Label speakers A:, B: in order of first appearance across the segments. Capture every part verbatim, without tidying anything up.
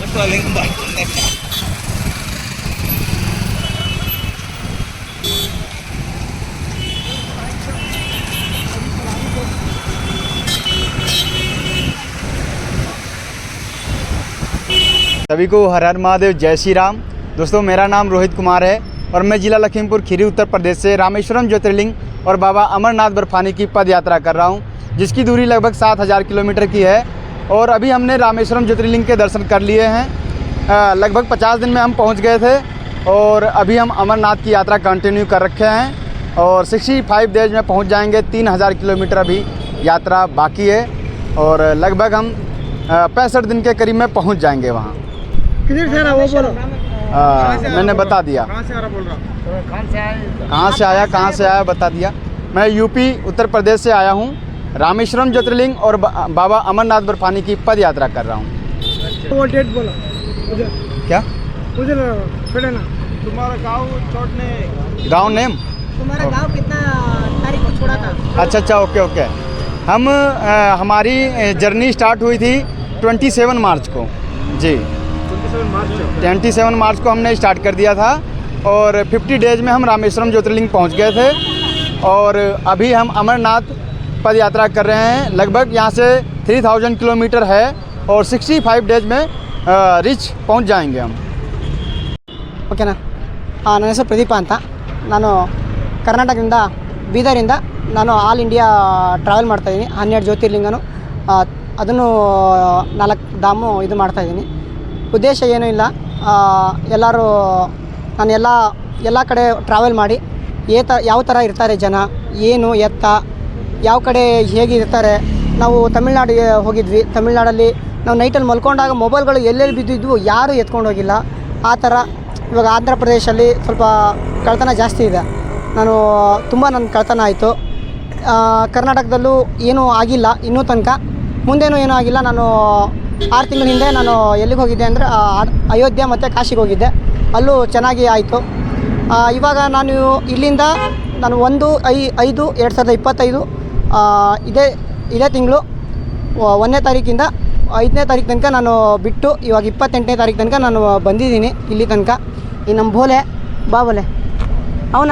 A: सभी को हर हर महादेव, जय श्री राम। दोस्तों, मेरा नाम रोहित कुमार है और मैं ज़िला लखीमपुर खीरी उत्तर प्रदेश से रामेश्वरम ज्योतिर्लिंग और बाबा अमरनाथ बर्फानी की पद यात्रा कर रहा हूं, जिसकी दूरी लगभग सात हज़ार किलोमीटर की है। और अभी हमने रामेश्वरम ज्योतिर्लिंग के दर्शन कर लिए हैं। लगभग पचास दिन में हम पहुंच गए थे और अभी हम अमरनाथ की यात्रा कंटिन्यू कर रखे हैं और पैंसठ डेज में पहुँच जाएँगे। तीन हज़ार किलोमीटर अभी यात्रा बाकी है और लगभग हम पैंसठ दिन के करीब में पहुँच जाएँगे वहाँ।
B: किधर से आ रहा वो बोलो।
A: आ, मैंने बता दिया
B: कहाँ से आ रहा बोल रहा
A: कहाँ से आया कहाँ से आया कहाँ से आया बता दिया। मैं यूपी उत्तर प्रदेश से आया हूँ। रामेश्वरम ज्योतिर्लिंग और बा, बाबा अमरनाथ बर्फानी की पद यात्रा कर रहा हूँ।
B: वो डेट बोलो उधर।
A: क्या
B: उधर छोड़े ना। तुम्हारा गांव छोड़ने
A: गांव नेम
C: तुम्हारा गांव कितना तारीख को छोड़ा था?
A: अच्छा अच्छा ओके ओके। हम आ, हमारी जर्नी स्टार्ट हुई थी सत्ताईस मार्च को जी। सत्ताईस मार्च को हमने स्टार्ट कर दिया था और पचास डेज में हम रामेश्वरम ज्योतिर्लिंग पहुंच गए थे और अभी हम अमरनाथ पद यात्रा कर रहे हैं। लगभग यहाँ से तीन हज़ार किलोमीटर है और पैंसठ डेज में रिच पहुंच जाएंगे हम।
C: ಓಕೆನಾ? ನನ್ನ ಹೆಸರು ಪ್ರದೀಪ ಅಂತ. ನಾನು ಕರ್ನಾಟಕದಿಂದ ಬೀದರಿಂದ ನಾನು ಆಲ್ ಇಂಡಿಯಾ ಟ್ರಾವೆಲ್ ಮಾಡ್ತಾಯಿದ್ದೀನಿ. ಹನ್ನೆರಡು ಜ್ಯೋತಿರ್ಲಿಂಗನು ಅದನ್ನು ನಾಲ್ಕು ಧಾಮು ಇದು ಮಾಡ್ತಾಯಿದ್ದೀನಿ. ಉದ್ದೇಶ ಏನೂ ಇಲ್ಲ, ಎಲ್ಲರೂ ನಾನು ಎಲ್ಲ ಎಲ್ಲ ಕಡೆ ಟ್ರಾವೆಲ್ ಮಾಡಿ ಏ ತ ಯಾವ ಥರ ಇರ್ತಾರೆ ಜನ, ಏನು ಎತ್ತ ಯಾವ ಕಡೆ ಹೇಗೆ ಇರ್ತಾರೆ. ನಾವು ತಮಿಳ್ನಾಡಿಗೆ ಹೋಗಿದ್ವಿ. ತಮಿಳ್ನಾಡಲ್ಲಿ ನಾವು ನೈಟಲ್ಲಿ ಮಲ್ಕೊಂಡಾಗ ಮೊಬೈಲ್ಗಳು ಎಲ್ಲೆಲ್ಲಿ ಬಿದ್ದಿದ್ವು ಯಾರೂ ಎತ್ಕೊಂಡು ಹೋಗಿಲ್ಲ. ಆ ಥರ ಇವಾಗ ಆಂಧ್ರ ಪ್ರದೇಶಲ್ಲಿ ಸ್ವಲ್ಪ ಕಳ್ತನ ಜಾಸ್ತಿ ಇದೆ. ನಾನು ತುಂಬ ನನ್ನ ಕಳ್ತನ ಆಯಿತು. ಕರ್ನಾಟಕದಲ್ಲೂ ಏನೂ ಆಗಿಲ್ಲ ಇನ್ನೂ ತನಕ, ಮುಂದೇನೂ ಏನೂ ಆಗಿಲ್ಲ. ನಾನು ಆರು ತಿಂಗಳ ಹಿಂದೆ ನಾನು ಎಲ್ಲಿಗೆ ಹೋಗಿದ್ದೆ ಅಂದರೆ ಅಯೋಧ್ಯೆ ಮತ್ತು ಕಾಶಿಗೆ ಹೋಗಿದ್ದೆ. ಅಲ್ಲೂ ಚೆನ್ನಾಗಿ ಆಯಿತು. ಇವಾಗ ನಾನು ಇಲ್ಲಿಂದ ನಾನು ಒಂದು ಐ ಐದು ಎರಡು ಸಾವಿರದ ಇಪ್ಪತ್ತೈದು ಇದೇ ಇದೇ ತಿಂಗಳು ಒಂದನೇ ತಾರೀಕಿಂದ ಐದನೇ ತಾರೀಕು ತನಕ ನಾನು ಬಿಟ್ಟು ಇವಾಗ ಇಪ್ಪತ್ತೆಂಟನೇ ತಾರೀಕು ತನಕ ನಾನು ಬಂದಿದ್ದೀನಿ ಇಲ್ಲಿ ತನಕ. ಈ ನಮ್ಮ ಬೋಲೆ ಬಾ ಬೋಲೆ ಅವನ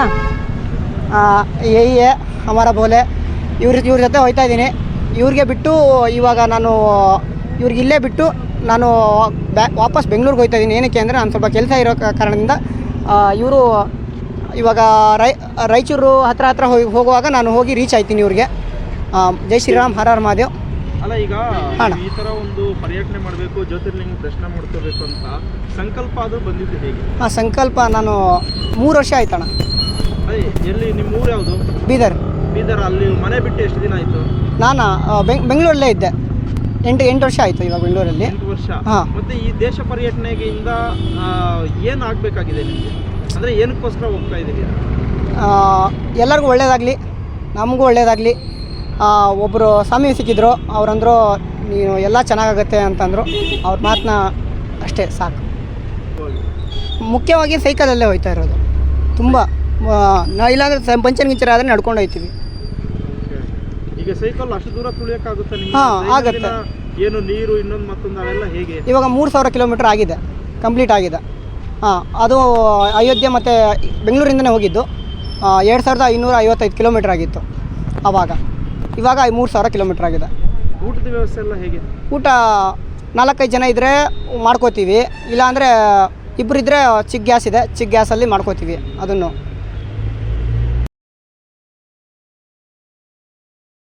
C: ಯೇ ಹಮಾರ ಬೋಲೆ ಇವ್ರ ಇವ್ರ ಜೊತೆ ಹೋಗ್ತಾ ಇದ್ದೀನಿ. ಇವ್ರಿಗೆ ಬಿಟ್ಟು ಇವಾಗ ನಾನು ಇವ್ರಿಗೆ ಇಲ್ಲೇ ಬಿಟ್ಟು ನಾನು ಬ್ಯಾ ವಾಪಸ್ ಬೆಂಗಳೂರಿಗೆ ಹೋಗ್ತಾ ಇದ್ದೀನಿ. ಏನಕ್ಕೆ ಅಂದರೆ ನಾನು ಸ್ವಲ್ಪ ಕೆಲಸ ಇರೋ ಕಾರಣದಿಂದ ಇವರು ಇವಾಗ ರೈ ರಾಯಚೂರು ಹತ್ರ ಹತ್ರ ಹೋಗಿ ಹೋಗುವಾಗ ನಾನು ಹೋಗಿ ರೀಚ್ ಆಯ್ತೀನಿ ಇವ್ರಿಗೆ. ಜೈ ಶ್ರೀರಾಮ್, ಹರ ಹರ ಮಹಾದೇವ್.
B: ಅಲ್ಲ, ಈಗ ಈ ಥರ ಒಂದು ಪರ್ಯಟನೆ ಮಾಡಬೇಕು, ಜ್ಯೋತಿರ್ಲಿಂಗ ದರ್ಶನ ಮಾಡ್ಕೋಬೇಕು ಅಂತ ಸಂಕಲ್ಪ ಅದು ಬಂದಿದ್ದು ಹೇಗೆ?
C: ಹಾಂ, ಸಂಕಲ್ಪ ನಾನು ಮೂರು ವರ್ಷ ಆಯ್ತಣ್ಣ.
B: ಅದೇ ಎಲ್ಲಿ ನಿಮ್ಮ ಊರು ಯಾವುದು?
C: ಬೀದರ್.
B: ಬೀದರ್. ಅಲ್ಲಿ ಮನೆ ಬಿಟ್ಟು ಎಷ್ಟು ದಿನ ಆಯಿತು?
C: ನಾನು ಬೆಂಗ್ ಬೆಂಗಳೂರಲ್ಲೇ ಇದ್ದೆ. ಎಂಟು ಎಂಟು ವರ್ಷ ಆಯಿತು ಇವಾಗ ಬೆಂಗಳೂರಲ್ಲಿ.
B: ಎಂಟು ವರ್ಷ.
C: ಹಾಂ.
B: ಮತ್ತು ಈ ದೇಶ ಪರ್ಯಟನೆಯಿಂದ ಏನು ಆಗಬೇಕಾಗಿದೆ ನಿಮಗೆ? ಅಂದರೆ ಏನಕ್ಕೋಸ್ಕರ ಹೋಗ್ತಾ ಇದ್ದೀರಿ?
C: ಎಲ್ಲರಿಗೂ ಒಳ್ಳೆಯದಾಗಲಿ, ನಮಗೂ ಒಳ್ಳೆಯದಾಗಲಿ. ಒಬ್ಬರು ಸ್ವಾಮಿ ಸಿಕ್ಕಿದ್ರು, ಅವರಂದರು ನೀನು ಎಲ್ಲ ಚೆನ್ನಾಗಾಗತ್ತೆ ಅಂತಂದರು. ಅವ್ರ ಮಾತನ್ನ ಅಷ್ಟೇ ಸಾಕು. ಮುಖ್ಯವಾಗಿ ಸೈಕಲಲ್ಲೇ ಹೋಗ್ತಾ ಇರೋದು ತುಂಬ. ನಾ ಇಲ್ಲಾಂದರೆ ಪಂಚರ್ ಗಿಂಚರ್ ಆದರೆ ನಡ್ಕೊಂಡು ಹೋಗ್ತೀವಿ.
B: ಈಗ ಸೈಕಲ್ ಅಷ್ಟು ದೂರ ತುಳಿಯೋಕ್ಕಾಗುತ್ತೆ?
C: ಹಾಂ, ಆಗುತ್ತೆ.
B: ಏನು ನೀರು ಇನ್ನೊಂದು ಮತ್ತೊಂದು ಅವೆಲ್ಲ ಹೇಗೆ?
C: ಇವಾಗ ಮೂರು ಸಾವಿರ ಕಿಲೋಮೀಟ್ರ್ ಆಗಿದೆ, ಕಂಪ್ಲೀಟ್ ಆಗಿದೆ. ಹಾಂ, ಅದು ಅಯೋಧ್ಯೆ ಮತ್ತು ಬೆಂಗಳೂರಿಂದನೇ ಹೋಗಿದ್ದು. ಎರಡು ಸಾವಿರದ ಐನೂರ ಐವತ್ತೈದು ಕಿಲೋಮೀಟ್ರ್ ಆಗಿತ್ತು ಆವಾಗ. ಇವಾಗ ಮೂರು ಸಾವಿರ ಕಿಲೋಮೀಟ್ರ್ ಆಗಿದೆ.
B: ಊಟದ ವ್ಯವಸ್ಥೆ ಎಲ್ಲ ಹೇಗೆ?
C: ಊಟ ನಾಲ್ಕೈದು ಜನ ಇದ್ದರೆ ಮಾಡ್ಕೋತೀವಿ, ಇಲ್ಲಾಂದರೆ ಇಬ್ಬರು ಇದ್ದರೆ ಚಿಕ್ಕ ಗ್ಯಾಸ್ ಇದೆ, ಚಿಕ್ಕ ಗ್ಯಾಸಲ್ಲಿ ಮಾಡ್ಕೋತೀವಿ ಅದನ್ನು.